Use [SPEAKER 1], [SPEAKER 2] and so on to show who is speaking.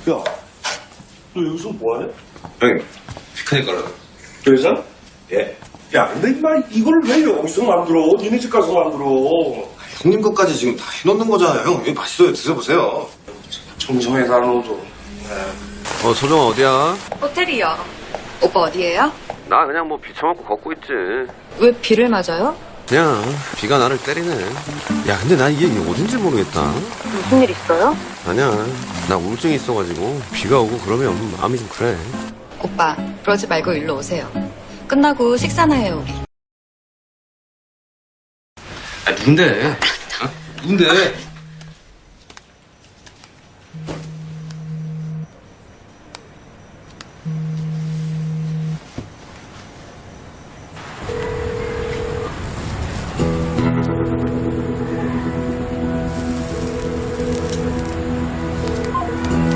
[SPEAKER 1] 야, 너 여기서 뭐하냐?
[SPEAKER 2] 형님, 피크닉 가려고.
[SPEAKER 1] 그래서? 예. 야, 근데 임마 이걸 왜 여기서 만들어? 니네 집 가서 만들어.
[SPEAKER 2] 형님 것까지 지금 다 해놓는 거잖아요. 형, 이거 맛있어요. 드셔보세요.
[SPEAKER 1] 정성에다 넣어도.
[SPEAKER 2] 소정아, 어디야?
[SPEAKER 3] 호텔이요. 오빠 어디예요?
[SPEAKER 2] 나 그냥 뭐 비쳐먹고 걷고 있지.
[SPEAKER 3] 왜 비를 맞아요?
[SPEAKER 2] 그냥 비가 나를 때리네. 야, 근데 나 이게 어딘지 모르겠다.
[SPEAKER 3] 무슨 일 있어요?
[SPEAKER 2] 아니야, 나 우울증이 있어가지고 비가 오고 그러면 마음이 좀 그래.
[SPEAKER 3] 오빠 그러지 말고 일로 오세요. 끝나고 식사나 해요 우리.
[SPEAKER 2] 누군데? 누군데?